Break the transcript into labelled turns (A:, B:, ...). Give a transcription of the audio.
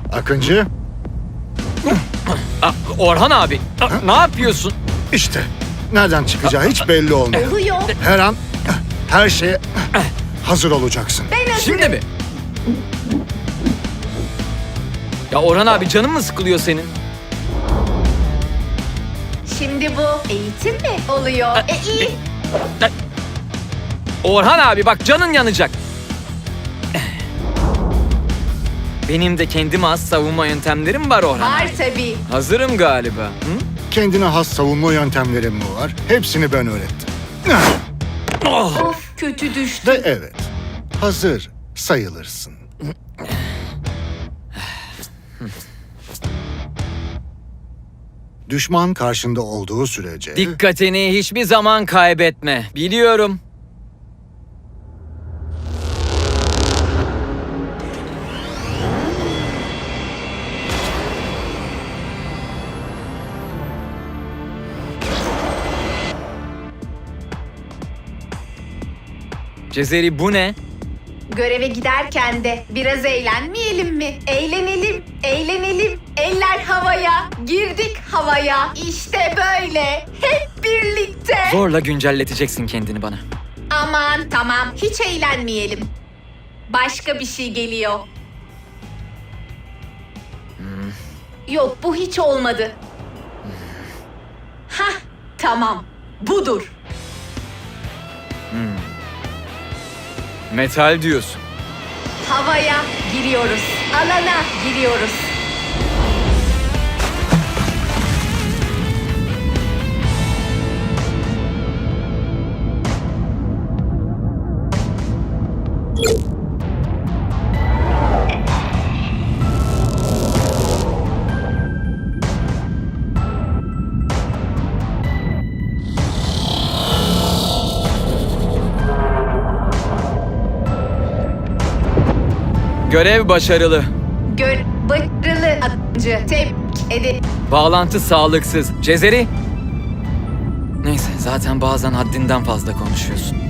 A: Akıncı,
B: Orhan abi, ne yapıyorsun?
A: işte nereden çıkacağı hiç belli olmuyor.
C: Oluyor.
A: Her an her şeye hazır olacaksın.
C: Ben hazırım.
B: Şimdi mi? Ya Orhan abi, canın mı sıkılıyor senin?
C: Şimdi bu eğitim mi oluyor? İyi.
B: Orhan abi bak, canın yanacak. Benim de kendime has savunma yöntemlerim var Orhan
C: Var
B: abi.
C: tabii.
B: Hazırım galiba. Hı?
A: Kendine has savunma yöntemlerin mi var? Hepsini ben öğrettim.
C: Of, kötü düştü.
A: Ve evet, hazır sayılırsın. Düşman karşında olduğu sürece...
B: Dikkatini hiçbir zaman kaybetme. Biliyorum. Cezeri, bu ne?
C: Göreve giderken de biraz eğlenmeyelim mi? Eğlenelim, eğlenelim. Eller havaya, girdik havaya. İşte böyle. Hep birlikte.
B: Zorla güncelleteceksin kendini bana.
C: Aman tamam, hiç eğlenmeyelim. Başka bir şey geliyor. Yok, bu hiç olmadı. Hah, tamam. Budur.
B: Metal diyorsun.
C: Havaya giriyoruz. Alana giriyoruz.
B: Görev başarılı.
C: Başarılı atıcı. Tebrik ederim.
B: Bağlantı sağlıksız. Cezeri. Neyse, zaten bazen haddinden fazla konuşuyorsun.